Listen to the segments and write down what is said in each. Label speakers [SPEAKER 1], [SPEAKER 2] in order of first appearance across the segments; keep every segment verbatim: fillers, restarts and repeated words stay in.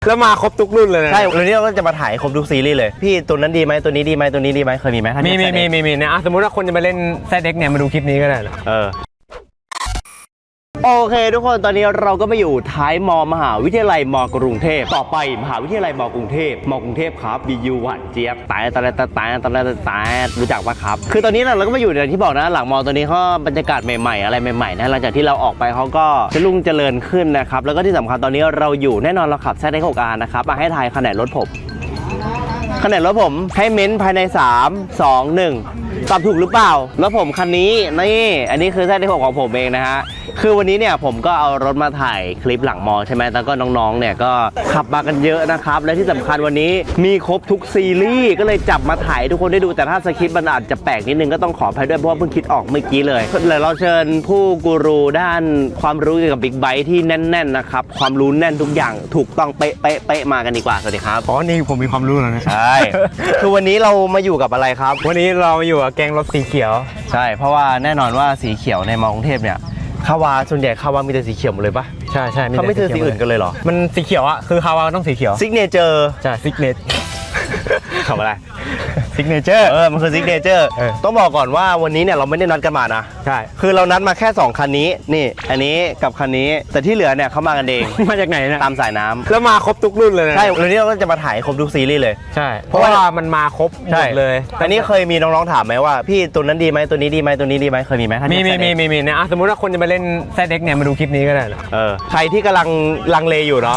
[SPEAKER 1] แล้วมาครบทุกรุ่นเลยนะ
[SPEAKER 2] ใช่วันนี้เราก็จะมาถ่ายครบทุกซีรีส์เลยพี่ตัวนั้นดีไหมตัวนี้ดีไหมตัวนี้ดีไหมเคยมีไหม
[SPEAKER 1] มีมีมีมีมีนะสมมติว่าคนจะมาเล่นแซดเด็กเนี่ยมาดูคลิปนี้ก็ได้นะ
[SPEAKER 2] เออโอเคทุกคนตอนนี้เราก็มาอยู่ท้ายมอมหาวิทยาลัยมกรุงเทพต่อไปมหาวิทยาลัยมกรุงเทพมกรุงเทพครับบียูหวานเจี๊ยบตายตายตายตายตายตายรู้จักปะครับคือตอนนี้เราก็มาอยู่อย่างที่บอกนะหลังมอตัวนี้เขาบรรยากาศใหม่ๆอะไรใหม่ๆนะหลังจากที่เราออกไปเขาก็จะรุ่งเจริญขึ้นนะครับแล้วก็ที่สำคัญตอนนี้เราอยู่แน่นอนเราขับแซดเอ็กซ์ หก อาร์ นะครับมาให้ทายขนาดรถผมขนาดรถผมให้เม้นภายในสาม สอง หนึ่งตอบถูกหรือเปล่ารถผมคันนี้นี่อันนี้คือแซดเอ็กซ์ หกของผมเองนะฮะคือวันนี้เนี่ยผมก็เอารถมาถ่ายคลิปหลังมอใช่ไหมแล้วก็น้องๆเนี่ยก็ขับมากันเยอะนะครับและที่สำคัญวันนี้มีครบทุกซีรีส์ก็เลยจับมาถ่ายทุกคนได้ดูแต่ถ้าสคริปต์มันอาจจะแปลกนิดนึงก็ต้องขออภัยด้วยเพราะว่าเพิ่งคิดออกเมื่อกี้เลยเลยเราเชิญผู้กูรูด้านความรู้เกี่ยวกับบิ๊กไบค์ที่แน่นๆนะครับความรู้แน่นทุกอย่างถูกต้องเป๊ะเป๊ะเป๊ะมากันดีกว่าสวัสดีครับ
[SPEAKER 1] อ๋อนี่ผมมีความรู้แล้วนะ
[SPEAKER 2] ใช่คือวันนี้เรามาอยู่กับอะไรครับ
[SPEAKER 1] วันนี้เราอยู่กับแกงรถสีเขียว
[SPEAKER 2] ใช่เพราะว่าแน่นอนว่าสีเขียวในมอกรุงเทพเนี่ยคาวาส่วนใหญ่คาวามีแต่สีเขียวหมดเลยปะ
[SPEAKER 1] ใช่ใช่
[SPEAKER 2] เขาไม่ซื้อสีอื่นกันเลยเหรอ
[SPEAKER 1] มันสีเขียวอะคือคาวาต้องสีเขียว
[SPEAKER 2] ซิกเนเจอร์
[SPEAKER 1] ใช่ซิกเนเจอร์คำอะไร
[SPEAKER 2] ซิกเนเจอร์เออมันคือซิกเนเจอร์ต้องบอกก่อนว่าวันนี้เนี่ยเราไม่ได้นัดกันมานะ
[SPEAKER 1] ใช่
[SPEAKER 2] คือเรานัดมาแค่สองคันนี้นี่อันนี้กับคันนี้แต่ที่เหลือเนี่ยเขามากันเอง
[SPEAKER 1] มาจากไหนนะ
[SPEAKER 2] ตามสายน้ำ
[SPEAKER 1] แล้วมาครบทุกรุ่นเลยนะ
[SPEAKER 2] ใช่วันนี้เราก็จะมาถ่ายครบทุกซีรีส์เลย
[SPEAKER 1] ใช่เพราะว่ามันมาครบหมดเลย
[SPEAKER 2] แต่นี่เคยมีน้องๆถามไหมว่าพี่ตัวนั้นดีไหมตัวนี้ดีไหมตัวนี้ดีไหมเคยมีไหม
[SPEAKER 1] มีมีมีมีมีนะสมมติว่าคนจะมาเล่นแซดเด็กเนี่ยมาดูคลิปนี้ก็ได้นะ
[SPEAKER 2] เออใครที่กำลังลังเลอยู่เนาะ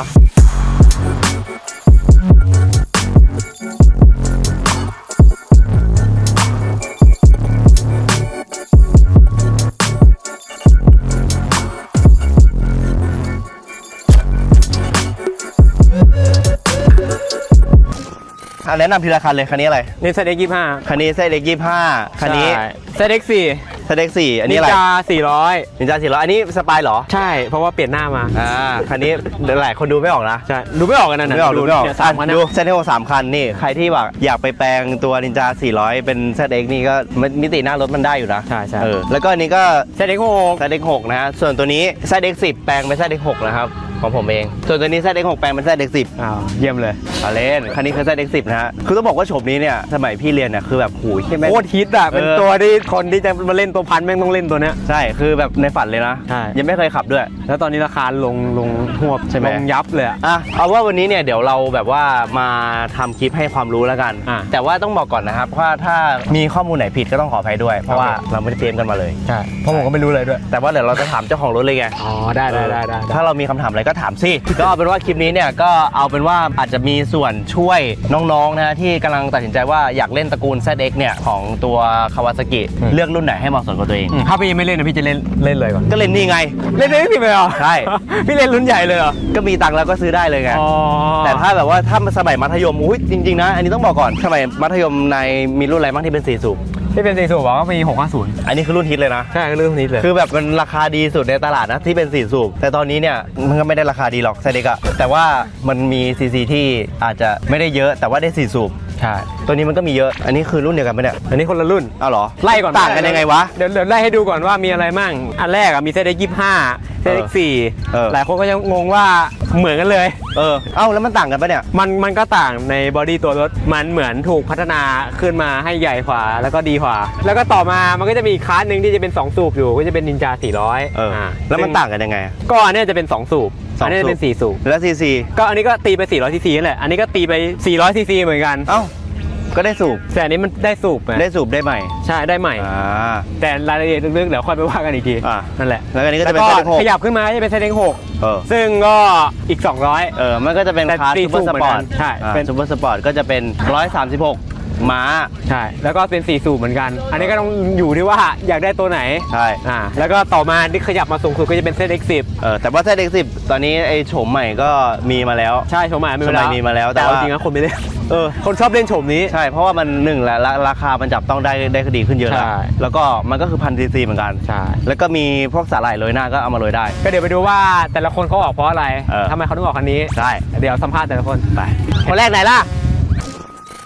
[SPEAKER 2] แนะนำทีละคันเลยคันนี้อะไร
[SPEAKER 1] นี่แซดเด็กยี่สิบห้า
[SPEAKER 2] คันนี้แซดเด็กยี่สิบห้าคันนี้
[SPEAKER 1] แซดเด็กสี่
[SPEAKER 2] แซดเด็กสี่อันนี้อะไร
[SPEAKER 1] นินจาสี่ร้อย
[SPEAKER 2] นินจาสี่ร้อยอันนี้สปายเหรอ
[SPEAKER 1] ใช่เพราะว่าเปลี่ยนหน้ามา
[SPEAKER 2] อ่าคันนี้หลายคนดูไม่ออกนะ
[SPEAKER 1] ใช่ดูไม่ออกกันนะ
[SPEAKER 2] ไม่ออกดูไม่ออกดูแซดเด็กสามคันนี่ใครที่แบบอยากไปแปลงตัวนินจาสี่ร้อยเป็นแซดเด็กนี่ก็มิติหน้ารถมันได้อยู่นะ
[SPEAKER 1] ใช่ใช่
[SPEAKER 2] เออแล้วก็อันนี้ก็
[SPEAKER 1] แซดเด็กหก
[SPEAKER 2] แซดเด็กหกนะฮะส่วนตัวนี้แซดเด็กสิบแปลงเป็นแซดเด็กหกนะครับของผมเองส่วนตัวนี้แซดเด็กหกแปลงเป็นแซดเด็กสิบ
[SPEAKER 1] อ้าวเยี่ยมเลย
[SPEAKER 2] เอาเล่นคันนี้คือแซดเด็กสิบนะฮะคือต้องบอกว่าโฉมนี้เนี่ยสมัยพี่เรียนเนี่ยคือแบบหูยใช่ไหม
[SPEAKER 1] โคตรฮิตอ่ะเป็นตัวที่คนที่จะมาเล่นตัวพันแม่งต้องเล่นตัวเนี้ย
[SPEAKER 2] ใช่คือแบบในฝันเลยนะ
[SPEAKER 1] ใช่
[SPEAKER 2] ยังไม่เคยขับด้วย
[SPEAKER 1] แล้วตอนนี้ราคาลงลงหวบ
[SPEAKER 2] ใช่ไหม
[SPEAKER 1] ลงยับเลยอ่ะ
[SPEAKER 2] เอาว่าวันนี้เนี่ยเดี๋ยวเราแบบว่ามาทำคลิปให้ความรู้แล้วกันแต่ว่าต้องบอกก่อนนะครับว่าถ้ามีข้อมูลไหนผิดก็ต้องขออภัยด้วยเพราะว่าเราไม่ได้เตรียมกันมาเลย
[SPEAKER 1] ใช่เพราะผมก็ไม่รู้เลยด้วย
[SPEAKER 2] แต่ว่าเดี๋ยวเราจะถามเจ้าของรถเลยไง
[SPEAKER 1] อ๋อได้ได้ได้
[SPEAKER 2] ถ้าเรามีคำถามอะไรก็ถามสิก็เอาเป็นว่าคลิปนี้เนี่ยก็เอาเป็นว่าอาจจะมีส่วนช่วยน้องๆนะที่กำลังตัดสินใจว่าอยากเล่นตระกูล แซด เอ็กซ์ เนี่ยของตัวคาวาซากิเลือกรุ่นไหนให้เหมาะสมกับตัวเอง
[SPEAKER 1] ถ้าพี่ยังไม่เล่นนะพี่จะเล่นเล่นเลยก่อน
[SPEAKER 2] ก็เล่นนี่ไง
[SPEAKER 1] เล่นได้พี่ไปเหรอ
[SPEAKER 2] ใช่
[SPEAKER 1] พี่เล่นรุ่นใหญ่เลยเหรอ
[SPEAKER 2] ก็มีตังค์แล้วก็ซื้อได้เลยไงแต่ถ้าแบบว่าถ้าสมัยมัธยมอุ้ยจริงๆนะอันนี้ต้องบอกก่อนสมัยมัธยมในมีรุ่นอะไรบ้างที่เป็นสี่สูบ
[SPEAKER 1] ที่เป็นสี่สูบบอกว่ามีหกห้าศูนย์
[SPEAKER 2] อันนี้คือรุ่นฮิตเลยนะ
[SPEAKER 1] ใช่คือรุ่นฮิตเลย
[SPEAKER 2] คือแบบมันราคาดีสุดในตลาดนะที่เป็นสี่สูบแต่ตอนนี้เนี่ยมันก็ไม่ได้ราคาดีหรอกแซดเด็กอะแต่ว่ามันมีซีซีที่อาจจะไม่ได้เยอะแต่ว่าได้สี่สูบ
[SPEAKER 1] ใช่
[SPEAKER 2] ตัวนี้มันก็มีเยอะอันนี้คือรุ่นเดียวกันไหมเนี่ย
[SPEAKER 1] อันนี้คนละรุ่น
[SPEAKER 2] อ้าวเหรอ
[SPEAKER 1] ไล่ก่อน
[SPEAKER 2] ต่างกันยังไงวะ
[SPEAKER 1] เดี๋ยวเดี๋ยวไล่ให้ดูก่อนว่ามีอะไรมั่งอันแรกอะมีแซดเด็กยี่สิบห้าแซดเด็กสี่หลายคนก็ยังงงว่าเหมือนกันเลย
[SPEAKER 2] เออเอ้าแล้วมันต่างกันปะเนี่ย
[SPEAKER 1] มันมันก็ต่างในบอดี้ตัวรถมันเหมือนถูกพัฒนาขึ้นมาให้ใหญ่กว่าแล้วก็ดีกว่าแล้วก็ต่อมามันก็จะมีอีกคลาสหนึ่งที่จะเป็นสองสูบอยู่ก็จะเป็นนินจาสี่ร้อย
[SPEAKER 2] เออแล้วมันต่างกันยังไง
[SPEAKER 1] ก็อันนี้จะเป็นสองสูบอันนี้จะเป็นสี่สูบ
[SPEAKER 2] แล้วซีซี
[SPEAKER 1] ก็อันนี้ก็ตีไปสี่ร้อยซีซีนั่นแหละอันนี้ก็ตีไปสี่ร้อยซีซีเหมือนกัน
[SPEAKER 2] เอ้าก็ได้สูบ
[SPEAKER 1] แต่อันนี้มันได้สูบ
[SPEAKER 2] ได้สูบได้ใหม่
[SPEAKER 1] ใช่ได้ใหม่แต่รายละเอียดลึกๆเดี๋ยวค่อยไปว่ากันอีกทีนั่นแหละ
[SPEAKER 2] แล้วอันนี้ก็จะเป็นแซดเด็กหก
[SPEAKER 1] ขยับขึ้นมาจะเป็นแซดเด็กหกซึ่งก็อีกสองร้อย
[SPEAKER 2] เออมันก็จะเป็นคลาสซูเปอร์สปอร์ต
[SPEAKER 1] ใช่
[SPEAKER 2] เป็นซูเปอร์สปอร์ตก็จะเป็นหนึ่งร้อยสามสิบหกม้า
[SPEAKER 1] ใช่แล้วก็เป็นสี่สูบเหมือนกันอันนี้ก็ต้องอยู่ที่ว่าอยากได้ตัวไหน
[SPEAKER 2] ใช่
[SPEAKER 1] อ่าแล้วก็ต่อมาที่ขยับมาสูงสุดก็จะเป็น แซด เอ็กซ์ สิบ
[SPEAKER 2] เออแต่ว่า แซด เอ็กซ์ สิบตอนนี้ไอ้โฉมใหม่ก็มีมาแล้ว
[SPEAKER 1] ใช่โฉมใหม่มี
[SPEAKER 2] มาแล้ว
[SPEAKER 1] แต่จริงๆนะคนไม่เล่น
[SPEAKER 2] เออ
[SPEAKER 1] คนชอบเล่นโฉมนี้
[SPEAKER 2] ใช่เพราะว่ามันหนึ่งแหละราคามันจับต้องได้ได้ดีขึ้นเยอะแล้วแล้วก็มันก็คือพันซีซีเหมือนกัน
[SPEAKER 1] ใช่
[SPEAKER 2] แล้วก็มีพวกสาหร่ายโรยหน้าก็เอามาโรยได้
[SPEAKER 1] ก็เดี๋ยวไปดูว่าแต่ละคนเขาออกเพราะอะไรทำไมเขาถึงออกคันนี้
[SPEAKER 2] ใช่
[SPEAKER 1] เดี๋ยวสัมภาษณ์แต่ละคน
[SPEAKER 2] ไปคนแรกไหนล่ะ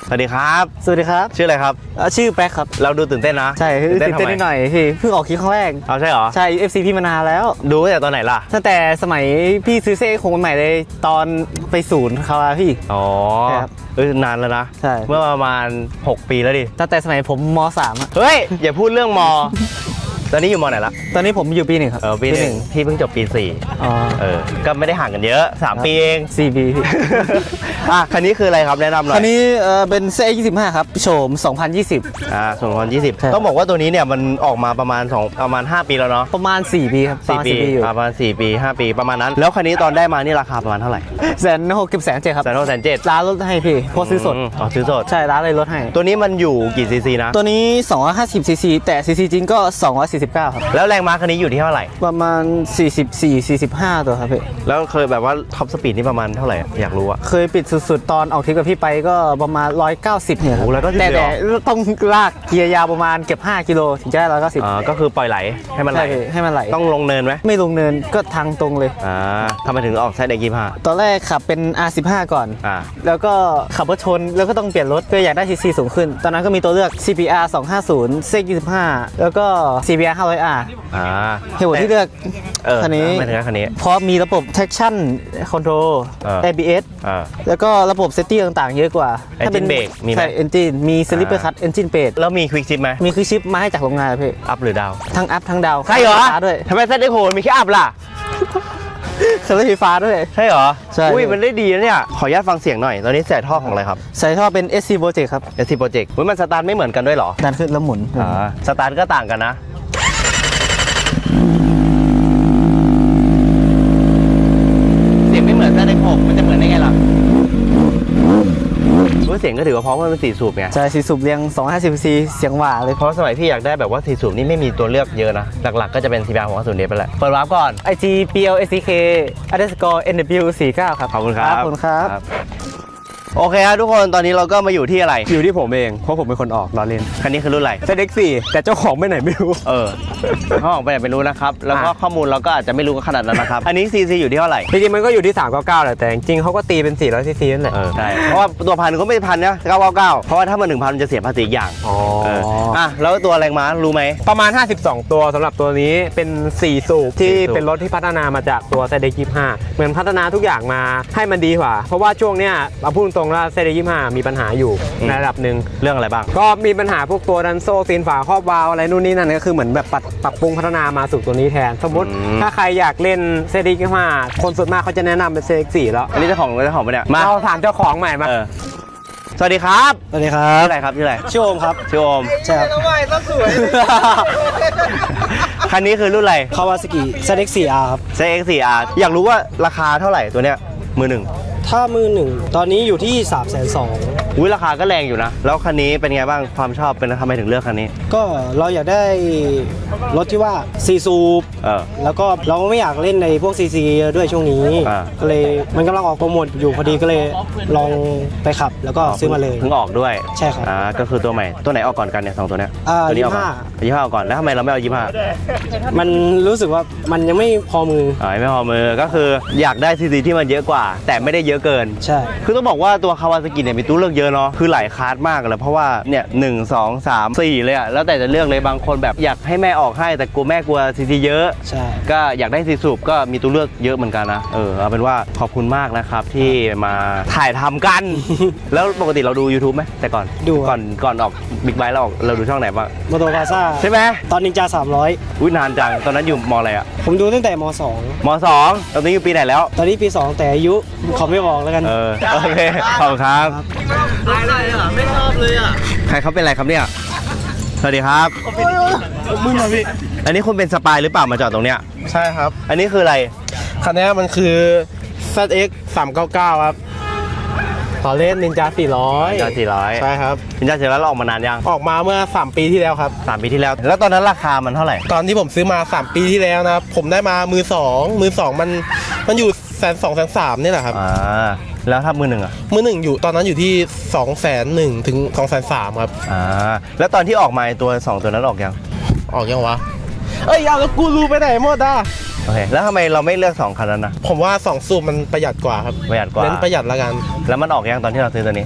[SPEAKER 2] สวัสดีครับ
[SPEAKER 3] สวัสดีครับ
[SPEAKER 2] ชื่ออะไรครับ
[SPEAKER 3] เอ่อชื่อแป๊กครับ
[SPEAKER 2] เราดูตื่นเต้นนะ
[SPEAKER 3] ใช่ตื่นเต้น
[SPEAKER 2] ทำไม
[SPEAKER 3] นิดหน่อยพี่เพิ่งออกคลิปครั้งแรก
[SPEAKER 2] เอาใช่เหรอ
[SPEAKER 3] ใช่ เอฟ ซี พี่มานานแล้ว
[SPEAKER 2] ดูตั้งแต่ตอนไหนล่ะ
[SPEAKER 3] ตั้งแต่สมัยพี่ซื้อเซ่คงใหม่เลยตอนไปศูนย์เขาอะพี่
[SPEAKER 2] อ๋อ
[SPEAKER 3] ใช่ครับ
[SPEAKER 2] เออนานแล้วนะ
[SPEAKER 3] ใช่
[SPEAKER 2] เมื่อประมาณหกปีแล้วดิ
[SPEAKER 3] ตั้งแต่สมัยผมมสามอะ
[SPEAKER 2] เฮ้ย อย่าพูดเรื่องม ตอนนี้อยู่มไหนละ
[SPEAKER 3] ตอนนี้ผมอยู่ปีหนึ่งครับ
[SPEAKER 2] เออปีหนึ่งพี่เพิ่งจบปีสี่
[SPEAKER 3] อ๋อ
[SPEAKER 2] เออ ก็ไม่ได้ห่างกันเยอะสามปีเอง
[SPEAKER 3] สี่ปีพี่
[SPEAKER 2] อ่ะ คันนี้คืออะไรครับแนะนำหน่อย
[SPEAKER 3] คันนี้เอ่อเป็นเซ่ยี่สิบห้าครับโฉมสองพันยี่สิบ
[SPEAKER 2] อ่าสองพันยี่สิบ
[SPEAKER 3] ใช่
[SPEAKER 2] ต้องบอกว่าตัวนี้เนี่ยมันออกมาประมาณสองประมาณห้าปีแล้วเนาะ
[SPEAKER 3] ประมาณสี่ปีครับประ
[SPEAKER 2] สี่
[SPEAKER 3] มาณ
[SPEAKER 2] ปี
[SPEAKER 3] สี่ปีอยู่
[SPEAKER 2] ประมาณสี่ปีห้าปีประมาณนั้น แล้วคันนี้ตอนได้มานี่ราคาประมาณเท่าไหร่
[SPEAKER 3] แสนหกสิบแสนเจ็ดครับ
[SPEAKER 2] แสนหกแสนเจ็ด
[SPEAKER 3] ร้านลดให้พี่เพราะซื้อสด
[SPEAKER 2] อ๋อซื้อสด
[SPEAKER 3] ใช่ร้านเลยลดให้
[SPEAKER 2] ตัวนี้มันอยู่กี่ซีซีนะ
[SPEAKER 3] ตัวนี้สองร้อยห้าสิบซีซีแต่ซีซีจริงก็สองร้อยสี่สิบเก้าครับ
[SPEAKER 2] แล้วแรงม้าคันนี้อยู่ที่เท่าไหร่
[SPEAKER 3] ประมาณสี่สิบสี่ สี่สิบห้าตัวครับพี่
[SPEAKER 2] แล้วเคยแบบว่าท็อปสปีดนี่ประมาณเท่าไหร่อะอยากรู้อะ
[SPEAKER 3] เคยปิดสุดๆ ตอนออกทริปกับพี่ไปก็ประมาณ หนึ่งร้อยเก้าสิบเนี่ยครับ
[SPEAKER 2] โอ้ร้อยเก้าสิบ
[SPEAKER 3] แต่
[SPEAKER 2] เลยเหร
[SPEAKER 3] แต่
[SPEAKER 2] อ
[SPEAKER 3] ต้องลากเกียร์ยาวประมาณเกือบห้ากิโลถึงจะได้หนึ่งร้อยเก้าสิบ
[SPEAKER 2] อ่าก็คือปล่อยไหลให้มันไหล
[SPEAKER 3] ใช่พี่ให้มันไหล
[SPEAKER 2] ต้องลงเนินไหม
[SPEAKER 3] ไม่ลงเนินก็ทางตรงเลย
[SPEAKER 2] อ่าทำไมถึงออกไซด์เด็กยี่ห้า
[SPEAKER 3] ตอนแรกขับเป็น อาร์ สิบห้า ก่อน
[SPEAKER 2] อ่า
[SPEAKER 3] แล้วก็ขับรถชนแล้วก็ต้องเปลี่ยนรถก็อยากได้ซีซีสูงขึ้น ตอนนั้นก็มีตัวเลือก ซี พี อาร์ สองห้าศูนย์ เซกยี่สิบห้า แล้วก็ ซี พี อาร์ ห้าร้อย อาร์
[SPEAKER 2] อ่า
[SPEAKER 3] เหตุผลที่เลือก
[SPEAKER 2] เออ
[SPEAKER 3] คันนี้
[SPEAKER 2] ไม่ถึงคันนี้
[SPEAKER 3] เพราะมีระบบ traction control
[SPEAKER 2] เออ
[SPEAKER 3] เอ บี เอส
[SPEAKER 2] อ่า
[SPEAKER 3] แล้วก็ระบบ safety ต่างๆ เยอะกว่า
[SPEAKER 2] Engine brake มีไหม
[SPEAKER 3] ใช่ engine มี slipper cut engine brake
[SPEAKER 2] แล้วมีควิกชิปไหม
[SPEAKER 3] มีคือชิปมาให้จากโรงงานเลยพี่
[SPEAKER 2] อัพหรือดาว
[SPEAKER 3] ทั้งอัพทั้งดาว
[SPEAKER 2] ใช่เหรอ
[SPEAKER 3] ไฟฟ้าด้วย
[SPEAKER 2] ทำไมไซด์เด็กโหมีแค่อัพล่ะ
[SPEAKER 3] เครื่องไฟฟ้าด้วย
[SPEAKER 2] ใช่เหรอ
[SPEAKER 3] ใช่
[SPEAKER 2] อุ้ยมันได้ดีนะเนี่ยขออนุญาตฟังเสียงหน่อยตอนนี้ใส่ท่อของอะไรครับ
[SPEAKER 3] ใส่ท่อเป็น เอส ซี Project ครับ
[SPEAKER 2] เอสซีโปรเจกต์มันสตาร์ทไม่เหมือนกันด้วยเหรอ
[SPEAKER 3] ดันขึ้นแล้วหมุน
[SPEAKER 2] อ่าสตาร์ทก็ต่างกันนะ เสียงไม่เหมือนแซดเอ็กซ์หกมันจะเหมือนได้ไงล่ะว่าเสียงก็ถือว่าเพราะว่ามันเป็นสี่สูบไง
[SPEAKER 3] ใช่สีสูบเรียงสองร้อยห้าสิบซี เสียงหวาเลย
[SPEAKER 2] เพราะสมัยพี่อยากได้แบบว่าสี่สูบนี่ไม่มีตัวเลือกเยอะนะ หลักๆก็จะเป็น ซี พี อาร์ หกห้าศูนย์ เดฟไปแหละเปิดวาร์ปก่อน
[SPEAKER 3] ไอ จี พี แอล เอส ซี เค underscore เอ็น ดับเบิลยู สี่สิบเก้าครับ
[SPEAKER 2] ขอบคุณครับ
[SPEAKER 3] ขอบคุณครับ
[SPEAKER 2] โอเคครับทุกคนตอนนี้เราก็มาอยู่ที่อะไร
[SPEAKER 1] อยู่ที่ผมเองเพราะผมเป็นคนออกล้อเล่น
[SPEAKER 2] คันนี้คือรุ่นอะไร
[SPEAKER 1] เซเด็กสี่แต่เจ้าของไปไหนไม่รู้
[SPEAKER 2] เออเขาออกไปไหนไม่รู้นะครับ แล้วก็
[SPEAKER 1] อ่ะ
[SPEAKER 2] ข้อมูลเราก็อาจจะไม่รู้ขนาดนั้นนะครับ อันนี้ซีซีอยู่ที่เท่าไหร่
[SPEAKER 1] จริงๆมันก็อยู่ที่สามร้อยเก้าสิบเก้าแหละแต่จริงๆเขาก็ตีเป็นสี่ร้อยซีซีนั่นแหละ
[SPEAKER 2] เออใช่เพราะว่าตัวพันก็ไม่พันนะเก้าเก้าเก้าเพราะว่าถ้ามันหนึ่งพันมันจะเสียภาษีอีกอย่าง
[SPEAKER 1] อ๋อ
[SPEAKER 2] เอออ่ะแล้วตัวแรงม้ารู้ไหม
[SPEAKER 1] ประมาณ ห้าสิบสอง ตัวสำหรับตัวนี้เป็นสี่สูบที่
[SPEAKER 2] สี่สูบ
[SPEAKER 1] เป็นรถที่พัฒนามาจากตัวเซเด็กยี่ห้าเหมือนพัฒนาทุกอย่างมาให้มันดีกว่า เพราะว่าช่วงเนี้ยเราพูดตรงๆว่าเซเด็กยี่ห้ามีปัญหาอยู่ในระดับหนึ่ง
[SPEAKER 2] เรื่องอะไรบ้าง
[SPEAKER 1] ก็มีปัญหาพวกตัวดันโซ่ซีนฝาครอบวาล์วอะไรนู่นนี่นั่นก็คือเหมือนแบบปรับปรับปรุงพัฒนามาสู่ตัวนี้แทน สมมติ
[SPEAKER 2] อืม
[SPEAKER 1] ถ้าใครอยากเล่นเซเด็กยี่ห้าคนส่วนมากเขาจะแนะนำเป็นเซเด็กสี่แล้ว
[SPEAKER 2] อันนี้เจ้าของเจ้าของปะเนี่ยมา
[SPEAKER 1] เราถามเจ้าของใหม่มา
[SPEAKER 2] เออสวัสดีครับ
[SPEAKER 3] สวัสดีครั
[SPEAKER 2] ชื่
[SPEAKER 3] บ
[SPEAKER 2] ออะไรครับชื่ออะไร
[SPEAKER 3] ชื่อโอมครับ
[SPEAKER 2] ชื่อโอม
[SPEAKER 3] ใช่ครับ
[SPEAKER 2] คันนี้คือรุ่นอะไร
[SPEAKER 3] คาวาซากิ เซ เอ็กซ์ โฟร์ อาร์ ครับ
[SPEAKER 2] เซ เอ็กซ์ โฟร์ อาร์ อยากรู้ว่าราคาเท่าไหร่ตัวเนี้ยมือหนึ่ง
[SPEAKER 3] ถ้ามือหนึ่งตอนนี้อยู่ที่ สามแสนสอง
[SPEAKER 2] อุ้ยราคาก็แรงอยู่นะ แล้วคันนี้เป็นไงบ้างความชอบเป็นทำไมถึงเลือกคันนี้
[SPEAKER 3] ก็เราอยากได้รถที่ว่าซีซูป
[SPEAKER 2] เออ
[SPEAKER 3] แล้วก็เราก็ไม่อยากเล่นในพวกซีซีด้วยช่วงนี้
[SPEAKER 2] อ่า
[SPEAKER 3] ก็เลยมันกำลังออกโปรโมทอยู่พอดีก็เลยลองไปขับแล้วก็ซื้อมาเลย
[SPEAKER 2] เพิ่งออกด้วย
[SPEAKER 3] ใช่ครับ
[SPEAKER 2] อ่าก็คือตัวใหม่ตัวไหนออกก่อนกันเนี่ยสองตัวเนี้ย
[SPEAKER 3] อ่า
[SPEAKER 2] ตัวนี้ออกก่อน
[SPEAKER 3] ยี่สิบห้า
[SPEAKER 2] ยี่สิบห้าออกก่อนแล้วทำไมเราไม่เอายี่สิบห้า
[SPEAKER 3] มันรู้สึกว่ามันยังไม่พอมือ
[SPEAKER 2] อ๋อไม่พอมือก็คืออยากได้ซีซีที่มันเยอะกว่า แต่ไม่ได้เยอะเกิน
[SPEAKER 3] ใช่
[SPEAKER 2] คือต้องบอกว่าตัวคาวาซากิเนี่ยมีตู้เลือกเยอะเนาะคือหลายคลาสมากเลยเพราะว่าเนี่ยหนึ่งสองสามสี่เลยอะแล้วแต่จะเลือกเลยบางคนแบบอยากให้แม่ออกให้แต่กลัวแม่กลัวซีซีเยอะ
[SPEAKER 3] ใช่
[SPEAKER 2] ก็อยากได้ซีสูบก็มีตัวเลือกเยอะเหมือนกันนะเออเอาเป็นว่าขอบคุณมากนะครับที่มาถ่ายทำกัน แล้วปกติเราดู YouTube ไหมแต่ก่อน
[SPEAKER 3] ดู
[SPEAKER 2] ก่อนก่อนออกบิ๊กไบค์เราออกเราดูช่องไหนบ้าง
[SPEAKER 3] มอโตพาซ่า
[SPEAKER 2] ใช่ไหม
[SPEAKER 3] ตอนนินจาสามร้อย
[SPEAKER 2] อุ้ยนานจังตอนนั้นอยู่มอะไรอะ
[SPEAKER 3] ผมดูตั้งแต่มสอง
[SPEAKER 2] มสองตอนนี้อยู่ปีไหนแล้ว
[SPEAKER 3] ตอนนี้ปีสองแต่อายุเขาไม่บอกแล้วกัน
[SPEAKER 2] เออโอเคขอบคุณครับ
[SPEAKER 3] ไม่ชอบเลยอ่ะ
[SPEAKER 2] ใครเขาเป็นอะไรครับเนี่ย สวัสดีครับ
[SPEAKER 3] มึงมาพี่
[SPEAKER 2] อันนี้คุณเป็นสปายหรือเปล่ามาจอดตรงเนี้ย
[SPEAKER 4] ใช่ครับ
[SPEAKER 2] อันนี้คืออะไร
[SPEAKER 4] คันนี้มันคือ แซด เอ็กซ์ สามเก้าเก้า ครับ
[SPEAKER 1] ต่อเล่นนินจาสี่ร้อย
[SPEAKER 2] นินจาสี่ร้อย
[SPEAKER 4] ใช่ครับ
[SPEAKER 2] นินจาสี่ร้อยเราออกมานานยัง
[SPEAKER 4] ออกมาเมื่อ สาม ปีที่แล้วครับ
[SPEAKER 2] สามปีที่แล้ว แล้วตอนนั้นราคามันเท่าไหร่
[SPEAKER 4] ตอนที่ผมซื้อมา สาม ปีที่แล้วนะครับ ผมได้มามือสองมือสองมันมันอยู่แสนสองแสนสามนี่แหละครับ
[SPEAKER 2] อ่า แล้วถ้ามือหนึ่งอ่ะ
[SPEAKER 4] มือหนึ่งอยู่ตอนนั้นอยู่ที่สองแสนหนึ่งถึงสองแสนสามครับ
[SPEAKER 2] อ่า แล้วตอนที่ออกมาตัวสองตัวนั้นออกยัง
[SPEAKER 4] ออกยังวะ เอ้ยเอาแล้วกูรู้ไปไหนหมดอ่ะ
[SPEAKER 2] โอเค แล้วทำไมเราไม่เลือกสองคันนั้นนะ
[SPEAKER 4] ผมว่าสองสูบมันประหยัดกว่าครับ
[SPEAKER 2] ประหยัดกว่า
[SPEAKER 4] เน้นประหยัดละกัน
[SPEAKER 2] แล้วมันออกยังตอนที่เราซื้อตัวนี้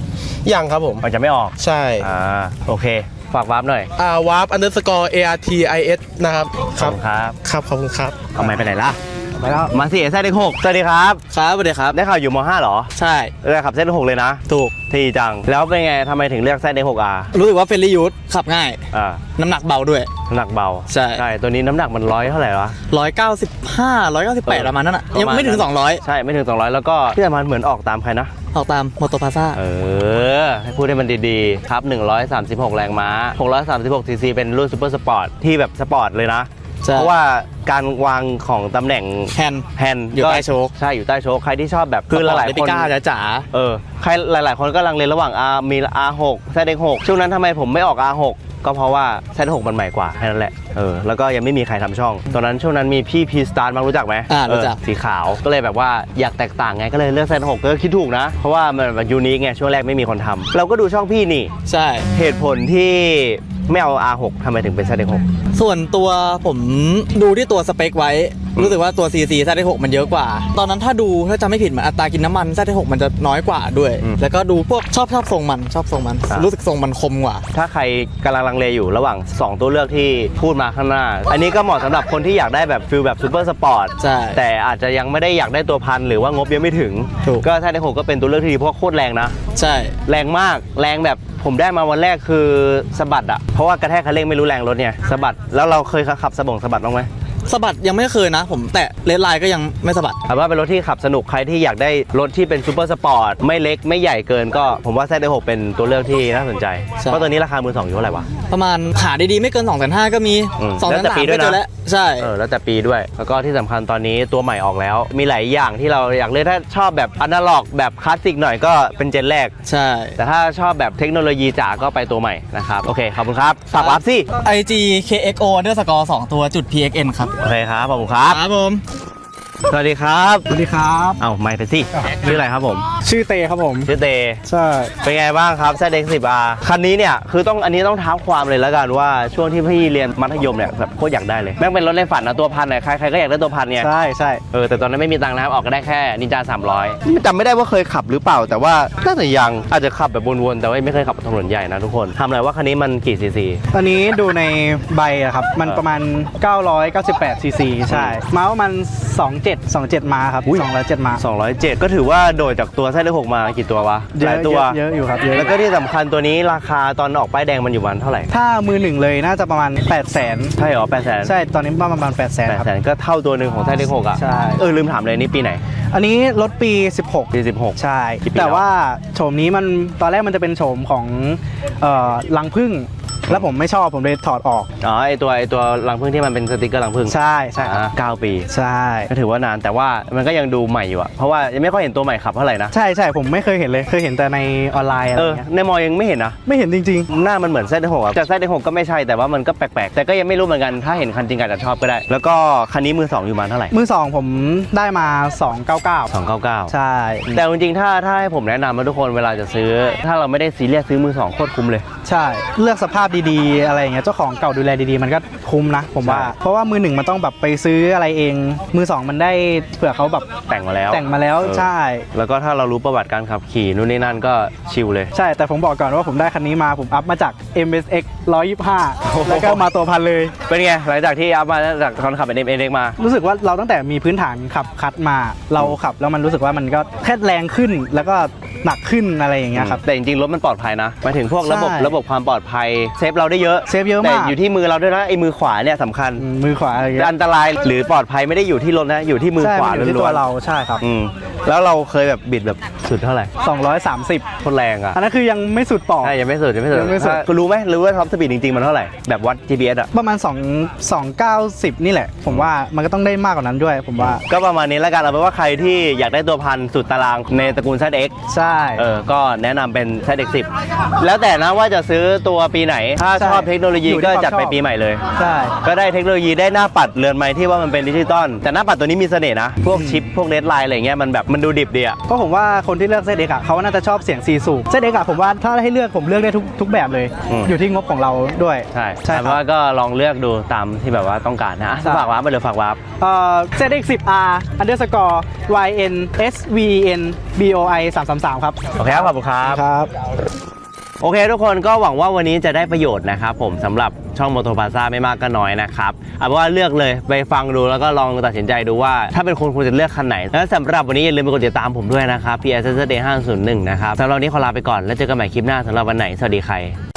[SPEAKER 4] ยังครับผม
[SPEAKER 2] มันจะไม่ออก
[SPEAKER 4] ใช่
[SPEAKER 2] อ่าโอเคฝากวาร์ปหน่อย
[SPEAKER 4] อ่าวาร์ปอันเดอร์สกอร์ เอ อาร์ ที ไอ เอส นะครับ
[SPEAKER 2] ขอบคุณครับ
[SPEAKER 4] ครับขอบคุณครับ
[SPEAKER 2] เอาไม่ไปไหนล่ะไปแล้วมาสิเส้นเด็กหกสวัสดีครับ
[SPEAKER 3] ครับสวัสดีครับ
[SPEAKER 2] ได้ข่าวอยู่ม .ห้า เหรอ
[SPEAKER 3] ใช่
[SPEAKER 2] เลือกขับเส้นหกเลยนะ
[SPEAKER 3] ถูก
[SPEAKER 2] ที่จังแล้วเป็นไงทำไมถึงเลือกเส้นเด็กหกอ่ะ
[SPEAKER 3] รู้สึกว่าเฟรนลี่ยูทขับง่าย
[SPEAKER 2] อ่า
[SPEAKER 3] น้ำหนักเบาด้วย
[SPEAKER 2] น้ำหนักเบา
[SPEAKER 3] ใช่
[SPEAKER 2] ใช่ตัวนี้น้ำหนักมันร้อยเท่าไหร่วะ
[SPEAKER 3] หนึ่งร้อยเก้าสิบห้า หนึ่งร้อยเก้าสิบแปด
[SPEAKER 2] เออ
[SPEAKER 3] ประมาณนั้นอ่ะ
[SPEAKER 2] ประมาณ
[SPEAKER 3] ยังไม่ถึง
[SPEAKER 2] นั้น
[SPEAKER 3] สองร้อย
[SPEAKER 2] ใช่ไม่ถึงสองร้อยแล้วก็ที่สำคัญเหมือนออกตามใครนะ
[SPEAKER 3] ออกตามมอเตอร์พาซ่า
[SPEAKER 2] เออ ให้พูดให้มันดีๆ ครับ หนึ่งร้อยสามสิบหก แรงม้า หกร้อยสามสิบหก ซีซี เป็นรุ่นซูเปอร์สปอร์ตที่แบบสปอร์ตเลยนะ
[SPEAKER 3] ใช่
[SPEAKER 2] เพราะว่าการวางของตำแหน่ง
[SPEAKER 3] แฮนด์
[SPEAKER 2] แฮนด์
[SPEAKER 3] อยู่ใต้โชค
[SPEAKER 2] ใช่ อยู่ใต้โชคใครที่ชอบแบบคือหลายๆ
[SPEAKER 3] เล
[SPEAKER 2] ค
[SPEAKER 3] ปิ
[SPEAKER 2] น
[SPEAKER 3] ก้าจ๋า
[SPEAKER 2] เออ ใครหลายๆ คนก็ลังเลระหว่าง R มี อาร์ หก แซด เอ็กซ์ หก ช่วงนั้นทำไมผมไม่ออก อาร์ หก ก็เพราะว่า แซด หก มันใหม่กว่าแค่นั้นแหละ เออ แล้วก็ยังไม่มีใครทำช่อง ตอนนั้นช่วงนั้นมีพี่พีสตาร์มารู้จักไหม
[SPEAKER 3] อ่ารู้จัก
[SPEAKER 2] เออสีขาว ก็เลยแบบว่าอยากแตกต่างไง ก็เลยเลือก แซด หก ก็คิดถูกนะ เพราะว่ามันแบบยูนิคไง ช่วงแรกไม่มีคนทำเราก็ดูช่องพี่นี่
[SPEAKER 3] ใช่
[SPEAKER 2] เหตุผลที่ไม่เอา อาร์ หก ทำไมถึงเป็น แซด เอ็กซ์ หก
[SPEAKER 3] ส่วนตัวผมดูที่ตัวสเปคไว้ รู้สึกว่าตัว ซี ซี แซด หก มันเยอะกว่า ตอนนั้นถ้าดูถ้าจำไม่ผิดเหมือนอัตรากินน้ำมัน แซด หก มันจะน้อยกว่าด้วย
[SPEAKER 2] อืม
[SPEAKER 3] แล้วก็ดูพวกชอบชอบทรงมันชอบทรงมัน
[SPEAKER 2] อ่ะ
[SPEAKER 3] รู้สึกทรงมันคมกว่า
[SPEAKER 2] ถ้าใครกำลังลังเลอยู่ระหว่าง สอง ตัวเลือกที่พูดมาข้างหน้า อันนี้ก็เหมาะสำหรับคนที่อยากได้แบบฟิลแบบซูเปอร์สปอร์ต
[SPEAKER 3] ใช่
[SPEAKER 2] แต่อาจจะยังไม่ได้อยากได้ตัวพันหรือว่างบยังไม่ถึง
[SPEAKER 3] ถูก
[SPEAKER 2] ก็ถ้าในหกก็เป็นตัวเลือกที่ดีเพราะว่าโคตรแรงนะ
[SPEAKER 3] ใช่
[SPEAKER 2] แรงมากแรงแบบผมได้มาวันแรกคือสะบัดอะเพราะว่ากระแทกคันเร่งไม่รู้แรงรถเนี่ยสะบัดแล้วเราเคยขับสะบงสะบัดบ้างไหม
[SPEAKER 3] สะบัดยังไม่เคยนะ ผมแตะเลดไลน์ก็ยังไม่สะบัด
[SPEAKER 2] แต่ว่าเป็นรถที่ขับสนุกใครที่อยากได้รถที่เป็นซูเปอร์สปอร์ตไม่เล็กไม่ใหญ่เกินก็ผมว่าแซดหกเป็นตัวเลือกที่น่าสนใจ
[SPEAKER 3] ใช่
[SPEAKER 2] เพราะตัวนี้ราคามือสองอยู่เท่าไหร่วะ
[SPEAKER 3] ประมาณหาดีๆไม่เกิน สองแสนห้า ก็มี
[SPEAKER 2] อืม
[SPEAKER 3] สอง
[SPEAKER 2] แล้
[SPEAKER 3] แส
[SPEAKER 2] วน แต่
[SPEAKER 3] สาม
[SPEAKER 2] ปีด้วย
[SPEAKER 3] ก็
[SPEAKER 2] นะ
[SPEAKER 3] เจอแล้วใช่
[SPEAKER 2] เออแล้วแต่ปีด้วย แล้วก็ที่สำคัญตอนนี้ตัวใหม่ออกแล้ว มีหลายอย่างที่เราอยากเลือกถ้าชอบแบบอนาล็อกแบบคลาสสิกหน่อยก็เป็นเจนแรก
[SPEAKER 3] ใช่
[SPEAKER 2] แต่ถ้าชอบแบบเทคโนโลยีจ๋าก็ไปตัวใหม่นะครับ โอเค ขอบคุณครับฝากวาร์ปสิ
[SPEAKER 3] ไอ จี เค เอ็กซ์ โอ underscore สองตัวจุด พี เอ็กซ์ เอ็น ครับ
[SPEAKER 2] โอเคครับ ขอบคุณครับ
[SPEAKER 3] ครับผม
[SPEAKER 2] สวัสดีครับ
[SPEAKER 5] สวัสดีครับ
[SPEAKER 2] เอ้าไม่ไปสิชื่ออะไรครับผม
[SPEAKER 5] ชื่อเตครับผม
[SPEAKER 2] ชื่อเต
[SPEAKER 5] ใช่
[SPEAKER 2] เป็นไงบ้างครับ แซด เอ็กซ์ สิบ อาร์ คันนี้เนี่ย คือต้องอันนี้ต้องท้าความเลยแล้วกันว่าช่วงที่พี่เรียนมัธยมเนี่ยแบบโคตรอยากได้เลย แม่งเป็นรถในฝันนะตัวพันเนี่ยใครใครก็อยากได้ตัวพันเนี่ย
[SPEAKER 5] ใช่ใช่
[SPEAKER 2] เออแต่ตอนนั้นไม่มีตังค์นะครับออกก็ได้แค่นินจาสามร้อยจำไม่ได้ว่าเคยขับหรือเปล่า แต่ว่าน่าจะยังอาจจะขับแบบวนๆแต่ว่าไม่เคยขับถนนใหญ่นะทุกคนทำอะไรว่าคันนี้มันกี่ซีซี
[SPEAKER 5] ตอนนี้ดูในใบอะครับ มันประมาณ เก้าร้อยเก้าสิบแปด ซีซี ใช่ ม้าประมาณสองเจ็ด สองเจ็ดม้าครับสองร้อยเจ็ดม้า
[SPEAKER 2] สองร้อยเจ็ดก็ถือว่าโดดจากตัวแซดหกมากี่ตัววะ
[SPEAKER 5] เย
[SPEAKER 2] หลา
[SPEAKER 5] อะ
[SPEAKER 2] ยตัว
[SPEAKER 5] เยอะเยอะอยู่ครับเยอะ
[SPEAKER 2] แล้วก็ที่สำคัญตัวนี้ราคาตอนออกป้ายแดงมันอยู่ประมาณเท่าไหร่
[SPEAKER 5] ถ้ามือหนึ่งเลยน่าจะประมาณ แปดแสน
[SPEAKER 2] ใช่เหรอแปดแสน
[SPEAKER 5] ใช่ ตอนนี้ประมาณ แปดแสน
[SPEAKER 2] แปด
[SPEAKER 5] ครับ
[SPEAKER 2] แสนก็เท่าตัวหนึ่งของแซดหกอ่ะ
[SPEAKER 5] ใช่
[SPEAKER 2] เออลืมถามเลยนี่ปีไหน
[SPEAKER 5] อันนี้รถปี สิบหก
[SPEAKER 2] ปีสิบหก
[SPEAKER 5] ใช่
[SPEAKER 2] กี่ปี
[SPEAKER 5] แต่
[SPEAKER 2] แล้ว
[SPEAKER 5] ว่าโฉมนี้มันตอนแรกมันจะเป็นโฉมของเอ่อรังผึ้งแล้วผมไม่ชอบผมเลยถอดออก
[SPEAKER 2] อ๋อไอตัวไอตัวรังผึ้งที่มันเป็นสติกเกอร์รังผึ้ง
[SPEAKER 5] ใช่ใช่ครับ
[SPEAKER 2] อ่าเก้าปี
[SPEAKER 5] ใช่
[SPEAKER 2] ก็ถือว่านานแต่ว่ามันก็ยังดูใหม่อยู่อะเพราะว่ายังไม่ค่อยเห็นตัวใหม่ขับเท่าไหร่นะ
[SPEAKER 5] ใช่ใช่ผมไม่เคยเห็นเลยเคยเห็นแต่ในออนไลน์อะไร
[SPEAKER 2] เออ
[SPEAKER 5] เงี้ย
[SPEAKER 2] ในมอยังไม่เห็นนะ
[SPEAKER 5] ไม่เห็นจริง
[SPEAKER 2] หน้ามันเหมือนแซดหกอะแต่แซดหกก็ไม่ใช่แต่ว่ามันก็แปลกๆ แต่ก็ยังไม่รู้เหมือนกันถ้าเห็นคันจริงอาจจะชอบก็ได้ แล้วก็คันนี้มือสองอยู่ประมาณเท่าไหร่
[SPEAKER 5] ๆ มือสองผมได้มา สองเก้าเก้า
[SPEAKER 2] สองเก้าเก้า
[SPEAKER 5] ใช่
[SPEAKER 2] แต่จริงๆถ้าถ้าให้ผมแนะนำนะทุกคนเวลาจะซื้อ ถ้าเราไม่ได้ซีเรียสซื้อมือสองโคตรคุ้มเลย
[SPEAKER 5] ใช่เลือกสภาพดีๆ อะไรอย่างเงี้ยเจ้าของเก่าดูแลดีๆ มันก็คุ้มนะ ผมว่า
[SPEAKER 2] ใช่
[SPEAKER 5] เพราะว่ามือหนึ่งมันต้องแบบไปซื้ออะไรเอง มือสองมันได้เผื่อเขาแบบ
[SPEAKER 2] แต่งมาแล้ว
[SPEAKER 5] แต่งมาแล้ว
[SPEAKER 2] เออ
[SPEAKER 5] ใช่
[SPEAKER 2] แล้วก็ถ้าเรารู้ประวัติการขับขี่นู่นนี่นั่นก็ชิลเลย
[SPEAKER 5] ใช่แต่ผมบอกก่อนว่าผมได้คันนี้มาผมอัพมาจาก เอ็ม เอส เอ็กซ์ หนึ่งร้อยยี่สิบห้า แล้วก็มาตัวพันเลย
[SPEAKER 2] เป็นไงหลังจากที่อัพมาจากตอนขับเป็นเอ็มเอ็กมา
[SPEAKER 5] รู้สึกว่าเราตั้งแต่มีพื้นฐานขับคัดมา เราขับแล้วมันรู้สึกว่ามันก็แค่แรงขึ้นแล้วก็หนักขึ้นอะไรอย่างเงี้ยครับ
[SPEAKER 2] แต่จริงๆรถมันปลอดภัยนะหมายถึงพวกระบบ
[SPEAKER 5] ใช่
[SPEAKER 2] ระบบความปลอดภัยเซฟเราได้เยอะ
[SPEAKER 5] เซฟเยอะ
[SPEAKER 2] แต่
[SPEAKER 5] มาก
[SPEAKER 2] อยู่ที่มือเราด้วยนะไอ้มือขวาเนี่ยสำคัญ
[SPEAKER 5] อืมมือขวาอะไรอย่างเงี้ย
[SPEAKER 2] อันตรายหรือปลอดภัยไม่ได้อยู่ที่รถนะอยู่ที่มือ
[SPEAKER 5] ใช่
[SPEAKER 2] ขวา
[SPEAKER 5] มันอยู่ที่
[SPEAKER 2] ล้
[SPEAKER 5] ตัว
[SPEAKER 2] วน
[SPEAKER 5] เราใช่ครับ
[SPEAKER 2] ๆอืมแล้วเราเคยแบบบิดแบบสุดเท่าไหร่
[SPEAKER 5] สองร้อยสามสิบ
[SPEAKER 2] โคตรแรงอ่ะ
[SPEAKER 5] อันนั้นคือยังไม่สุดปอก
[SPEAKER 2] ใช่ยังไม่สุดยังไม่สุด
[SPEAKER 5] ยังไม่สุด
[SPEAKER 2] ถ้าคุณรู้ไหมรู้ว่าท็อปสปีดจริงๆมันเท่าไหร่แบบวัด จี พี เอส อ่ะ
[SPEAKER 5] ประมาณ2 2 9 0 นี่แหละ ผมว่ามันก็ต้องได้มากกว่านั้นด้วย ผมว่า
[SPEAKER 2] ก็ประมาณนี้แล้วกันเอาเป็นว่าใครที่อยากได้ตัวพันสุดตารางในตระกูล แซด เอ็กซ์
[SPEAKER 5] ใช่
[SPEAKER 2] เออ ก็แนะนำเป็น แซด เอ็กซ์ สิบ แล้วแต่นะว่าจะซื้อตัวปีไหน ถ้า
[SPEAKER 5] ใช่
[SPEAKER 2] ชอบเทคโนโลยี
[SPEAKER 5] อยู่ที่
[SPEAKER 2] ก็
[SPEAKER 5] ความ
[SPEAKER 2] จัดไป
[SPEAKER 5] ชอบ
[SPEAKER 2] ปีใหม่เลย
[SPEAKER 5] ใช่
[SPEAKER 2] ก็ได้เทคโนโลยีได้หน้าปัดเรือนไม้ที่ว่ามันเป็นดิจิตอลแต่หน้าปัดตัวนี้มีเสน่ห์นะ พวกชิป พวกเลดไลน์อะไรเงี้ยมันแบบมันดูดิบดีอะ
[SPEAKER 5] ก็ผมว่าคนที่เลือก เซด เอ็กซ์ อ่ะเขาน่าจะชอบเสียงสี่สูบ เซด เอ็กซ์ อ่ะผมว่าถ้าให้เลือกผมเลือกได้ทุกทุกแบบเลย
[SPEAKER 2] อืม
[SPEAKER 5] อยู่ที่งบของเราด้วย
[SPEAKER 2] ใช่
[SPEAKER 5] ใช่
[SPEAKER 2] แต่
[SPEAKER 5] ครับ
[SPEAKER 2] ว่าก็ลองเลือกดูตามที่แบบว่าต้องการนะอ่ะ
[SPEAKER 5] ใช่
[SPEAKER 2] ฝากวาร์ปไปเลยฝากวาร์ป
[SPEAKER 5] เอ่อ เซด เอ็กซ์ สิบ อาร์ underscore y n s v n b o i สามสามสามครับ
[SPEAKER 2] โอเคครับขอบคุณครับ
[SPEAKER 5] ครับ
[SPEAKER 2] โอเคทุกคนก็หวังว่าวันนี้จะได้ประโยชน์นะครับผมสำหรับช่อง Moto Plaza ไม่มากก็น้อยนะครับเอาเป็นว่าเลือกเลยไปฟังดูแล้วก็ลองตัดสินใจดูว่าถ้าเป็นคนคุณจะเลือกคันไหน และสำหรับวันนี้อย่าลืมไปกดติดตามผมด้วยนะครับ พี เอส เอส เดย์ ห้าศูนย์หนึ่งนะครับสำหรับวันนี้ขอลาไปก่อนแล้วเจอกันใหม่คลิปหน้าสำหรับวันไหนสวัสดีใคร